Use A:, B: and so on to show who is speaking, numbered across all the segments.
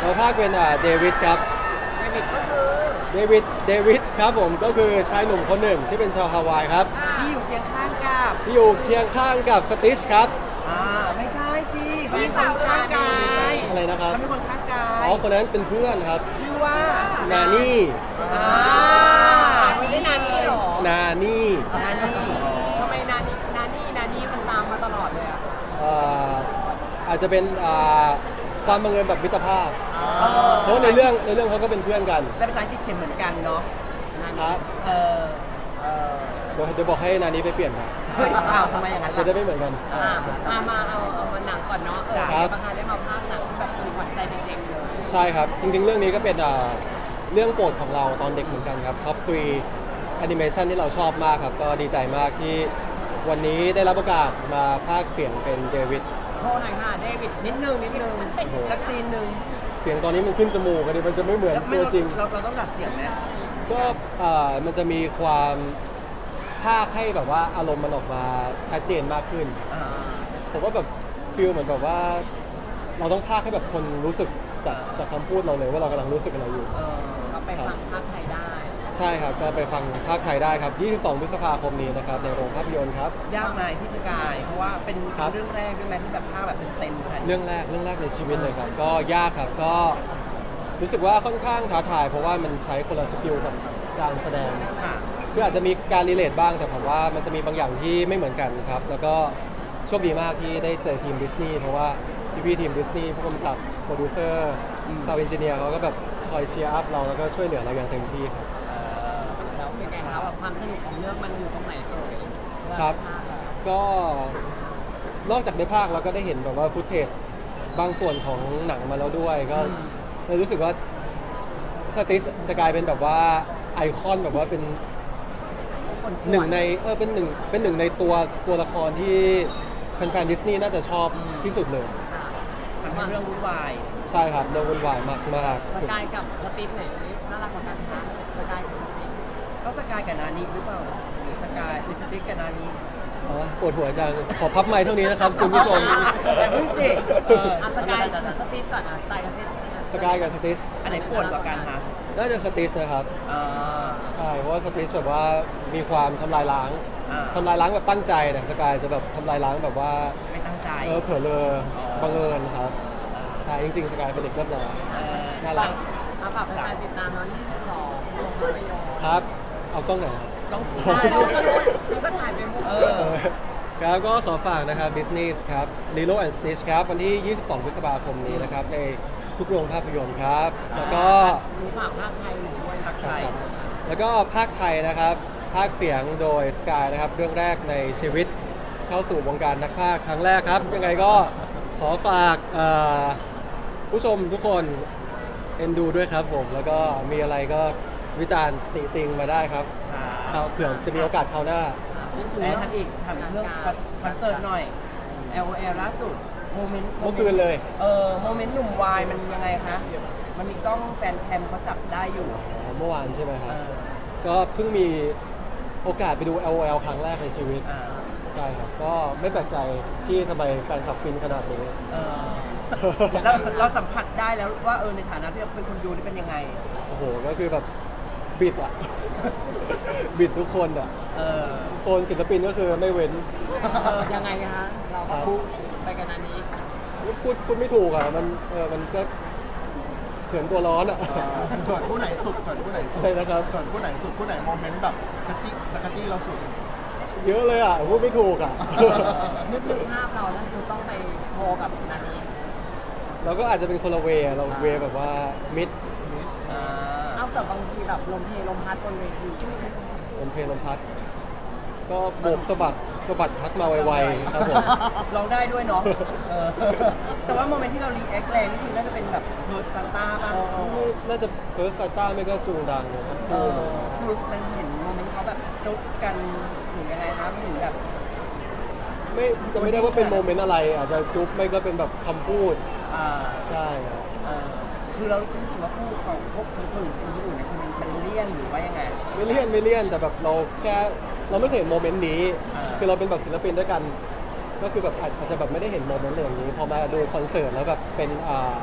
A: มาภาคเป็นเดวิดครับ
B: เดวิดก็คือ
A: เดวิดครับผมก็คือชายหนุ่มคนหนึ่งที่เป็นชาวฮาวายครับ
B: ที่อยู่เคียงข้างกับ
A: ที่อยู่เคียงข้างกับสติชครับ
B: ไม่ใช่สิเขาเป็นคนข้างกาย
A: อะไรนะครับ
B: เขาเป็นคนข้างกาย
A: อ๋อคนนั้นเป็นเพื่อนครับ
B: ชื่อว่า
A: นานี่
B: ไม่ใช่นานี่หรอ
A: นานี่
B: ทำไมนานี่มันตามมาตลอดเลย
A: อาจจะเป็นความบังเอิญแบบมิตรภาพเพราะในเรื่องเขาก็เป็นเพื่อนกัน
B: แต่ภาษาอังกฤษเขียนเหมือนกันเนาะ
A: ครับเดี๋ยวบอกให้นานี้ไปเปลี่ยนครับ
B: ทำไมอย่างนั้น
A: จะได้ไม่เหมือนกัน
B: มาเอาหนังก่อนเนาะประธานได้มาภาคหนังที่แบบมีขวัญใจเด็กๆเลย
A: ใช่ครับจริงๆเรื่องนี้ก็เป็นเรื่องโปรดของเราตอนเด็กเหมือนกันครับท็อป3แอนิเมชันที่เราชอบมากครับก็ดีใจมากที่วันนี้ได้รับโอกาสมาพากย์เสียงเป็นเดวิด
B: โทษหน่อยค่ะเดวิดนิดนึงสักซีนหนึ่ง
A: เสียงตอนนี้มันขึ้นจมูกกันดิมันจะไม่เหมือนตัวจริง
B: เราต้องดัดเสียงไหม
A: ก็มันจะมีความพากย์ให้แบบว่าอารมณ์มันออกมาชัดเจนมากขึ้นผมว่าแบบฟีลเหมือนแบบว่าเราต้องพากย์ให้แบบคนรู้สึกจากคำพูดเราเลยว่าเรากำลังรู้สึกอะไรอยู่
B: ก็ไปฟังภาคไทยได้
A: ใช่ครับก็ไปฟังภาคไทยได้ครับ22 พฤษภาคมนี้นะครับในโรงภาพยนตร์ครับ
B: ยากไหมพี่สกายเพราะว่าเป็นเรื่องแรกที่แบบภาคแบบเต็ม
A: ๆเรื่องแรกในชีวิตเลยครับก็ยากครับก็รู้สึกว่าค่อนข้างท้าทายเพราะว่ามันใช้คนละสกิลกับการแสดงคืออาจจะมีการรีเลทบ้างแต่ผมว่ามันจะมีบางอย่างที่ไม่เหมือนกันครับแล้วก็โชคดีมากที่ได้เจอทีมดิสนีย์เพราะว่าพี่ทีมดิสนีย์ผู้กำกับโปรดิวเซอร์ซาวด์เอนจิเนียร์เขาก็แบบคอยเชียร์อัพเราแล้วก็ช่วยเหลือเราอย่างเต็มที่ครับ
B: แล้วเป็นไงครับแบบความสนุกของเรื่องมันอยู่ตรงไหนเอ่ย
A: ครับก็นอกจากได้ภาคเราก็ได้เห็นแบบว่าฟุตเทจบางส่วนของหนังมาแล้วด้วยก็เลยรู้สึกว่าสติชจะกลายเป็นแบบว่าไอคอนแบบว่าเป็นหนึ่งในเป็นหนึ่งในตัวละครที่แฟนๆดิสนีย์น่าจะชอบที่สุดเลย
B: มันเป็นเรื่องวุ่นวาย
A: ใช่ครับเรื่องวุ่นวายมาก
B: ๆสกายกับสติชไหนน่ารักกว่ากันคะสกายกับสติชก็สกายกับนานีหรือเปล่าหรือสกายหรือสติชกับนานี
A: ปวดหัวจังขอพับไมค์เท่านี้นะครับคุณผู้ชม
B: แต่เพิ่งสิสกายกับสติชก่อน
A: สกายกับสติช
B: อันไหนปวดกว่ากันคะ
A: น่าจะสติชนะครับใช่เพราะว่าสติชแบบว่ามีความทำลายล้างแบบตั้งใจแต่สกายจะแบบทำลายล้างแบบว่า
B: ไม่ตั้งใจ
A: เผลอเลยบังเอิญครับใช่จริงๆสกายเป็นเด็กเรียบร้อยน่ารัก
B: มาฝากแฟนติดตามน้อง22โรงภาพยนตร์
A: ครับเอากล้องไหนครับ
B: ต้องถ่ายก็ถ่ายไปหมด
A: ครับก็ขอฝากนะครับ Business ครับ Lilo and Stitch ครับวันที่ 22 พฤษภาคมนี้นะครับในทุกโรงภาพยนตร์ครับแล้วก็
B: ฝากภาคไทยหนูด้วยภาคไทย
A: แล้วก็ภาคไทยนะครับภาคเสียงโดยสกายนะครับเรื่องแรกในชีวิตเข้าสู่วงการนักพากย์ครั้งแรกครับยังไงก็ขอฝากผู้ชมทุกคนเอ็นดูด้วยครับผมแล้วก็มีอะไรก็วิจารณ์ติติงมาได้ครับเผื่อจะมีโอกาสคราวหน้า
B: แล้วทำอีกเรื่องคอนเสิร์ตหน่อย LOL ล่าสุดโมเมนต์
A: เมื่อคืนเลย
B: โมเมนต์หนุ่มวายมันยังไงคะมันมีกล้องแฟนแคมเขาจับได้อยู่
A: เมื่อวานใช่ไหมครับก็เพิ่งมีโอกาสไปดู LOL ครั้งแรกในชีวิตใช่ครับก็ไม่แปลกใจที่ทำไมแฟนคลับฟินขนาดนี้
B: แล้วเราสัมผัสได้แล้วว่าในฐานะที่เราเป็นคนดูนี่เป็นยังไง
A: โอ้โหก็คือแบบบิดบิดทุกคนโซนศิลปินก็คือไม่เว้น
B: ยังไงคะเราไปกันอันนี้
A: พูดไม่ถูกมันก็เขินตัวร้อน
C: เขินผู้ไหนสุด
A: อะไรนะครับ
C: เขินผู้ไหนสุดผู้ไหนโมเมนต์แบบจักรจี้เราสุด
A: เยอะเลยพูดไม่ถูก
B: นึกถึงภาพเราแล้วคือต้องไปโชว์กับนานี้
A: เราก็อาจจะเป็นคนละเวเราเวแบบว่ามิด
B: เอาแต่บางทีแบบลมเพลมพัดบนเวที
A: ลมเพลลมพัดก็โบกสะบัดทักมาไวๆครับผม
B: ร้องได้ด้วยเนาะแต่ว่าโมเมนต์ที่เรารีแอคแรงนี่คือน่าจะเป็นแบบเพิร์ดซานต้าป่ะ
A: น่าจะเพิร์ดซานต้าไม่ก็จูงดังสักคู่
B: คือมันเห็นโมเมนต์เขาแบบจุ๊บกันถึงยังไงครับถึงแบบ
A: ไม่ได้ว่าเป็นโมเมนต์อะไรอาจจะจุ๊บไม่ก็เป็นแบบคำพูดใช่
B: คือเรารู้สึกว่าคู่ของพวกคนอื่นเนี่ยคือมันเลี่ยนหรือว่ายังไง
A: ไม่เลี่ยนแต่แบบเราไม่เคยเห็นโมเมนต์นี้คือเราเป็นแบบศิลปินด้วยกันก็คือแบบอาจจะแบบไม่ได้เห็นโมเมนต์อย่างนี้พอมาดูคอนเสิร์ตแล้วแบบเป็น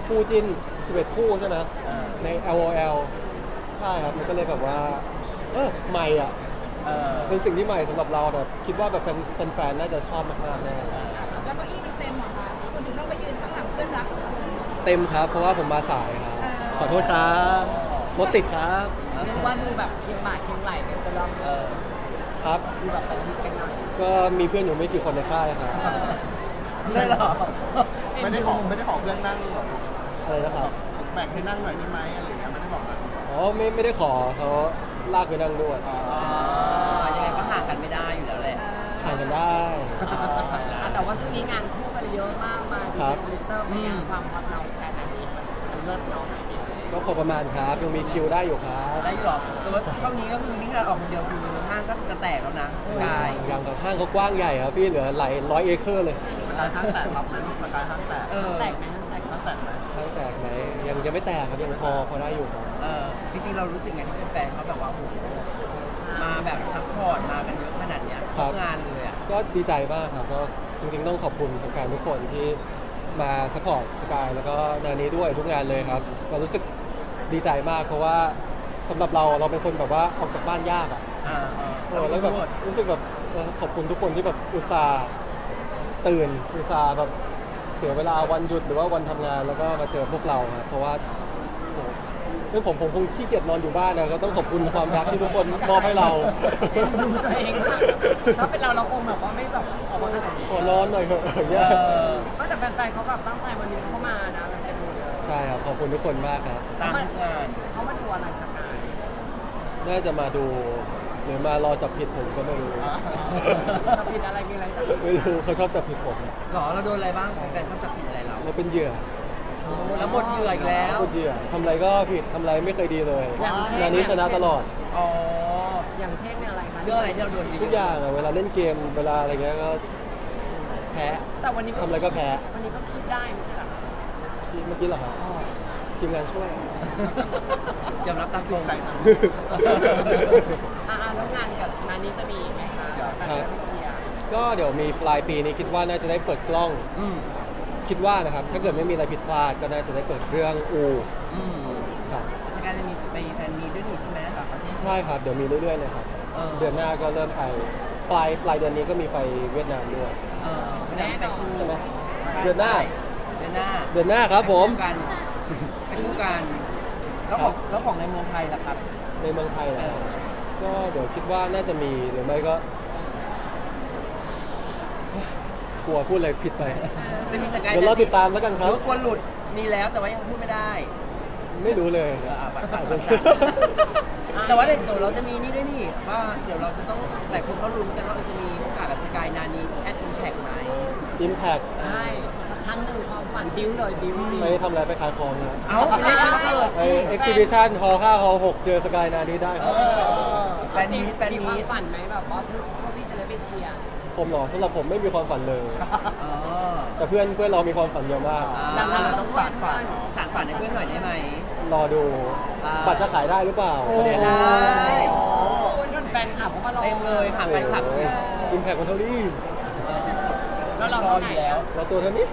A: คู่จิ้น11คู่ใช่ไหม
B: อ่า
A: ใน LOL ใช่ครับมันก็เลยแบบว่าใหม่อ่ะ
B: เออ
A: เป็นสิ่งที่ใหม่สำหรับเราแบบคิดว่าแบบแฟนๆน่าจะชอบมากๆแน่
D: แล้วเก้าอี้มันเต็มเหรอคะคุณถึงต้องไปยืนข้างหลังเพื่อนรักของคุณ
A: เต็มครับ เพราะว่าผมมาสายครับขอโทษครับรถติดครับ
E: เรียกว่าดูแบบเคียงบ่าเคียงไหล่กันจนเรา
B: เออ
A: ครับ
E: ดูแบบประชิดกันหน่อย
A: ก็มีเพื่อนอยู่ไม่กี่คนในค่ายครับ
B: ไม่หรอก
C: ไม่ได้ขอเพื่อนนั่งหรอก
A: อะไรนะครับ
C: แบ่งให้นั่งหน่อยได้ไหมอะไรอย่างเงี้ยไม่ได้บอกนะ
A: อ๋อไม่ได้ขอเขาลากไปนั่งด้วย
C: อ๋อ
B: อ๋อยังไงก็ห่างกันไม่ได้อยู่แล้วแหละ
A: ห่างกันได้
E: แต่ว่าช่วงนี้งานคู่กันเยอะมากมา
A: ครับ
E: ทวิตเตอร์เป็นยังความฮอตเราแต่อันนี้มันเลิศเนาะ
A: ก็พอประมาณครับยังมีคิวได้อยู่ครับ
B: ได้อยู่หรอแต่ว่าเท่านี้ก็คือนี่ขนาดออกคนเดียวคือห้างก็จะแตกแล้วนะกาย
A: อย่างกับห้างเขากว้างใหญ่ครับพี่เหลือหลายร้อยเอเคอร์เลย
C: สกายห้างแตกรับไหมลูกสกายห้างแตก
B: เออ
E: แตกไหมแตก
C: ห้างแตกไหม
A: ห้างแตกไหมยังไม่แตกครับยังพอได้อยู่ครับ
B: เออจริงๆเรารู้สึกไงที่เป็นแฟนเขาแบบว่าโอ้โหมาแบบซัพพอร์ตมากันเยอะขนาดเนี้ยทุกงานเลยอ่ะ
A: ก็ดีใจมากครับก็จริงๆต้องขอบคุณแฟนๆทุกคนที่มาสปอร์ตสกายแล้วก็งานนี้ด้วยทุกงานเลยครับก็รู้สึกดีใจมากเพราะว่าสำหรับเราเป็นคนแบบว่าออกจากบ้านยากอ่ะ แล้วแบบรู้สึกแบบขอบคุณทุกคนที่แบบอุตส่าห์ตื่นอุตส่าห์แบบเสียเวลาวันหยุดหรือว่าวันทำงานแล้วก็มาเจอพวกเราครับเพราะว่าโอ้โหไม่ผมคงขี้เกียจนอนอยู่บ้านนะก็ต้องขอบคุณความรักที่ทุกคนมอบให้เรา
E: ดูตัวเองมากถ้าเป็นเราคงแบบว่าไม่แบบออกมาขนาดนี้
A: ขอนอนหน่อยเถอะอย่างเงี้ย
E: ก็แต่แฟนๆเขาแบบตั้งใจวันนี้เขามานะแฟนๆดูเยอะ
A: ใช่ครับขอบคุณทุกคนมากครับ
B: ตามทุกงาน
E: เขามาดูอะไรสกาย
A: น่าจะมาดูหรือมารอจับผิดผมก็ไม่รู้
E: จะผิดอะไรมีอะไรจะ
A: ไม่รู้เขาชอบจับผิดผม
B: หรอเราโดนอะไรบ้างแฟนเขาจับผิดอะไรเรา
A: เราเป็นเหยื่อ
B: แล้วหมดเหยื่ออีกแล้ว
A: เป็นเหยื่อทำอะไรก็ผิดทำอะไรไม่เคยดีเลยงานนี้ชนะตลอด
B: อ๋อ
E: อย่างเช่นอะไรคะ
B: เรื่องอะไรที่เราโดน
A: ทุกอย่างอะเวลาเล่นเกมเวลาอะไรเงี้ยก็แพ้
E: แต่วันนี้
A: ทำอะไรก็แพ้
E: วันนี้ก็คิดได้ไม่ใช่เหรอ
A: เมื่อกี้เหรอครับทีมงานช่วย
B: ยอมรับตามตรง
C: ใจจัง
E: แล้วงานกับงานนี้จะมีไหมคะ
A: ครับ
E: พิเชียร์
A: ก็เดี๋ยวมีปลายปีนี้คิดว่าน่าจะได้เปิดกล้อง
B: อืม
A: คิดว่านะครับถ้าเกิดไม่มีอะไรผิดพลาดก็น่าจะได้เปิดเรื่องอู
B: อืม
A: ครับ
B: สกายจะมีไปแฟนมีด้วยนี่ใช่ไหม
A: ใช่ครับเดี๋ยวมีเรื่อยๆเลยครับ
B: เออ
A: เดือนหน้าก็เริ่มไปปลายเดือนนี้ก็มีไปเวียดนามด้วย
B: เออไม่ได้ไปคู่
A: ใช่ไหม
B: ใช่
A: เดือนหน้า
B: เดือนหน้า
A: เดือนหน้าครับผม
B: ไปคู่กันแล้วของในเมืองไทยล่ะครับ
A: ในเมืองไทยนะ
B: เออ
A: ก็เดี๋ยวคิดว่าน่าจะมีหรือไม่ก็ กลัวพูดอะไรผิดไป
B: จะมีสกาย
A: เดี๋ยวเราติดตามแล้วกันครับ
B: รถกลัวหลุดมีแล้วแต่ว่ายังพูดไม่ได้
A: ไม่รู้เลย
B: อาจจะแต่ว่าเดี๋ยวเราจะมีนี่ด้วยนี่ว่าเดี๋ยวเราจะต้องหลายคนเขาลุ้นกันว่าเราจะมีโอกาสกับสกายนานีแอดอินแท็กไหม
A: อิมแพค
E: ใช่สักครั้งหนึ่งความฝันบิ้วเลยบิ้ว
A: ไปทำอะไรไปขายของนะ
B: เอาไปเล่นคอนเสิร์ต
A: ไปเอ็กซิบิชันฮอล5ฮอล6เจอสกายนานี้ได้ครับ
B: แฟนมีตแฟน
E: มีค
B: มี
E: วาม
B: ต
E: ฝันไหมแบบว่าพวกพี่จะได้ไปเชียร์
A: ผมเหรอสำหรับผมไม่มีความฝันเลย
B: อ๋อ
A: แต่เพื่อนเรามีความฝันเยอะมาก
E: ดังนั้น
C: เราต้องสานฝัน
B: สารฝันให้เพื่อนหน่อยได้ไหม
A: รอดู
B: อ่า
A: บัตรจะขายได้หรือเปล่า
B: โอ้
A: ประเด็น
B: ได้
E: คุณแฟนคลับเขามารอ
B: เต็มเลยผ่านไปขับสิ
A: อิมแพคมันเท่านี้
E: แล้วเรา
B: รอ
E: เท่า
B: อ
E: ไหร่
B: ยู่แล้ว
A: เราตัวเท่านี้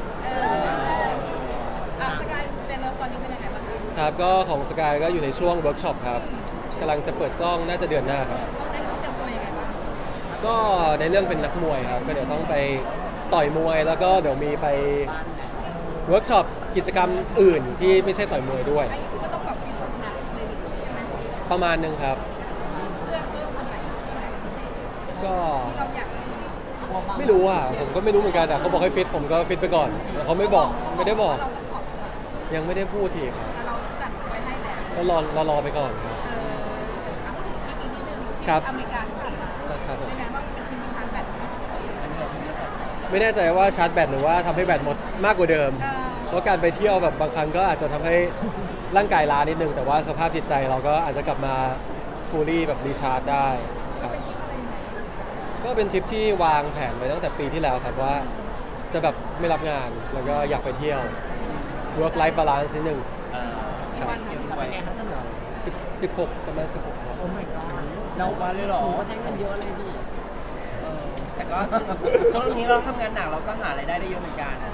D: สกายเป็นเลิฟตอนนี้เป็นยังไงบ้างคะ
A: ครับก็ของสกายก็อยู่ในช่วงเวิร์กช็อปครับกำลังจะเปิดกล้องน่าจะเดือนหน้าครับ
D: ต้องได้เขาเตรียมตัวยังไงบ้าง
A: ก็ในเรื่องเป็นนักมวยครับ ก็เดี๋ยวต้องไปต่อยมวย แล้วก็เดี๋ยวมีไปเวิร์กช็อปกิจกรรมอื่นที่ไม่ใช่ต่อยมวยด้วย
D: อันนี้คุณก็ต้องแบบฟิตหุ่นหนักเลยใช่ไหม
A: ประมาณหนึงครับ
D: เพื่อเพิ่มตรงไหนที่ไหนพิเศษ
A: ก็
D: ที่เราอยากให้
A: ไม่รู้อ่ะผมก็ไม่รู้เหมือนกันอ่ะเขาบอกให้ฟิตผมก็ฟิตไปก่อนแต่เขาไม่บอกไม่ได้บอก
D: เราต้องถอดเสื้อ
A: ยังไม่ได้พูดทีครับ
D: แต่เราจัดไว้ให้แล้ว
A: ก็รอไปก่อนครับ
D: เอาพูดถึงอีกนิดนึง
A: ครับ
D: อเมริกาที่ผ่านมา
A: ครับผม
D: เป็นไงบ้างเป็นทีมที่ชาร์จแบตไหม
A: ไม่แน่ใจว่าชาร์จแบตหรือว่าทำให้แบตหมดมากกว่าเดิม เพราะการไปเที่ยวแบบบางครั้งก็อาจจะทำให้ร่างกายล้านิดนึง แต่ว่าสภาพจิตใจเราก็อาจจะกลับมาฟูลี่แบบรีชาร์จได้ครับก็เป็นทริปที่วางแผนไว้ตั้งแต่ปีที่แล้วครับว่าจะแบบไม่รับงานแล้วก็อยากไปเที่ยว work life balance นิดนึง
D: กี่วันคะ
E: เป็นไงคะสนุก
A: 16ประมาณ16ครับ
E: โอ้ my god
B: เราวันเลยเหรอ
E: หนูก็ใช้เงินเยอะเลยดิ
B: แต่ก็ช่วงนี้เราทำงานหนักเราก็หารายได้ได้เยอะเหมือนกัน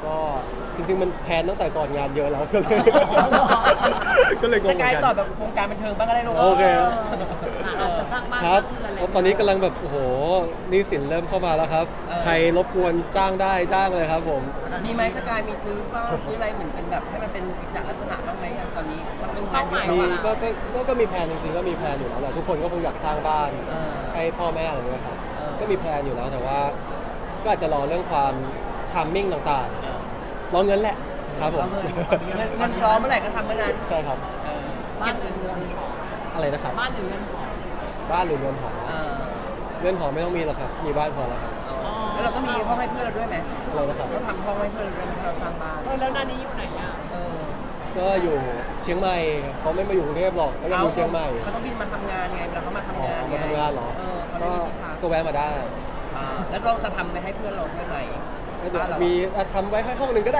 A: ก็จริงๆมันแพลนตั้งแต่ก่อนงานเยอะแล้วก็เลยก็เลยงง
B: ส
A: เหมื
B: กาย
A: อน
B: ต่อ
A: กัน
B: แบบวงการบันเทิงบ้างก็ได้ลูก
A: โอเค
E: อาจจะสร้างบ้าน
A: ครับ
E: สร้างเรือนอะไร
A: แล้วตอนนี้กำลังแบบโอ้โหหนี่สินเริ่มเข้ามาแล้วครับ ใครรบกวนจ้างได้จ้างเลยครับผม
B: มีไหมสกายมีซื้อบ้างซื้ออะไรเหมือนเป็นแบบให้มันเป็นกิจลักษณะบ้างไหมอย่างตอนนี้มันเป็นงานเยอะ
A: มี
B: แล้วอะ
A: ก็มีแพลนจริงๆก็มีแพลนอยู่แล้วแหละทุกคนก็คงอยากสร้างบ้าน
B: เออ
A: ให้พ่อแม่อะไรอย่างเงี้ยครับ
B: เออ
A: ก็มีแพลนอยู่แล้วแต่ว่า ก็อาจจะรอเรื่องความทัมมิ่งต่างๆรอเงินแหละครับผม
B: เงินพร้อมเมื่อไหร่ก็ทำเมื่อนั้น
A: ใช่ครับ
E: บ้านหรือเรือนหอ
A: อะไรนะครับ
E: บ้านหรือเรือนหอ
A: บ้านหรือเรือนหอ
B: เออ
A: เรือนหอไม่ต้องมีหรอกครับมีบ้านพอแล้วครับ
B: แล้วเราก็มีห้องให้เพื่อนเราด้วยไหม
A: อะไรนะครับ
B: เราทำห้องให้เพื่อนเราด้วยไหมเราสร้างบ้าน
E: แล้วนานี้อยู่ไหนอ่ะ
B: เออ
A: ก็อยู่เชียงใหม่เขาไม่มาอยู่กรุงเทพหรอกเขาจะอยู่เชียงใหม่
B: เขาต้องบินมาทำงานไงเวลาเขามาทำ
A: อ๋อง
B: าน
A: มาทำงานเหรอ
B: เออเขา
A: ก็
B: ไม่มีที่พัก
A: ก็แวะมาได้
B: แล้วเราจะทำไปให้เพื่อนเราด้วยไหม
A: ก็เดี๋ยว
B: บ้านเรา
A: มีทำไว้ให้ห้องหนึ่งก็ได้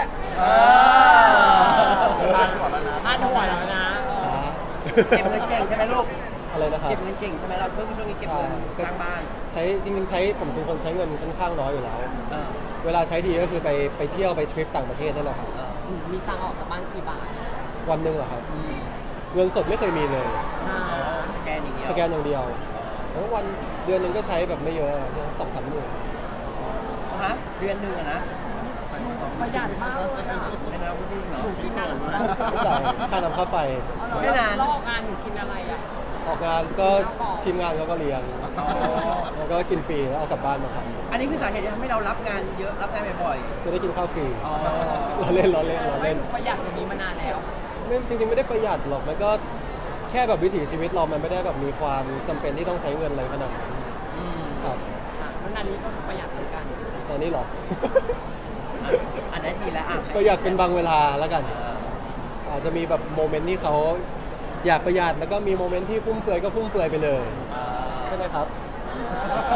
C: พลาดก่อนแล้วนะ
E: บ้านหัวแล้วนะเออ
B: เก็บเงินเก่งใช่ไหมลูก
A: อะไรนะครับ
B: เก็บเงินเก่งใช่ไหมเราเพิ่งช่วงนี้เก็บเงินสร้างบ้าน
A: ใช้จริงๆใช้ผมเป็นคนใช้เงินค่อนข้างน้อยอยู่แล้ว
B: เออ
A: เวลาใช้ทีก็คือไปเที่ยวไปทริปต่างประเทศนั่นแหละครับ
B: เออ
E: มีตังค์ออกจากบ้านกี่บาท
A: วันหนึ่งเหรอครับ เงินสดไม่เคยมีเลย
E: อ่า
B: สแกนอย่างเดียว
A: สแกนอย่างเดียวแล้ววันเดือนหนึ่งก็ใช้แบบไม่เยอะสองสามหมื่น
B: ฮะเดือนหนึ่งอะนะ
E: ประหยัดมากเลยอ่ะ
B: ไม่นะพูดจริงเหรอ
E: กินอะไร
A: ไม่จ่ายค่าน้ำค่าไฟ
B: ไม่นาน
E: แล้วออกงานหนูกินอะไรอ่ะ
A: ออกงานก็ทีมงานเขาก็เลี้ยง
B: อ๋อ
A: แล้วก็กินฟรีแล้วเอากลับบ้านมาท
B: อันนี้คือสาเหตุที่ทำให้เรารับงานเยอะรับงานบ่อย
A: ำจะได้กินข้าวฟรี
B: ๆอ๋อ
A: เราเล่นเราเล่นเราเล่น
E: ประหยัดอย่างนี้มานานแล้ว
A: ไม่จริงๆไม่ได้ประหยัดหรอกมันก็แค่แบบวิถีชีวิตเรามันไม่ได้แบบมีความจำเป็นที่ต้องใช้เงินอะไรขนาดนั้น
B: อืม
A: ครับ
E: ค่ะแล้วนานี้ก็ประหยัดเหมือนกัน
A: ตอนนี้เหรอ
B: อันนั้นดีแล้วอ่ะ
A: ประหยัดเป็นบางเวลาแล้วกัน
B: เออ
A: อาจจะมีแบบโมเมนต์ที่เขาอยากประหยัดแล้วก็มีโมเมนต์ที่ฟุ่มเฟือยก็ฟุ่มเฟือยไปเลย
B: เออ
A: ใช่ไหมครับ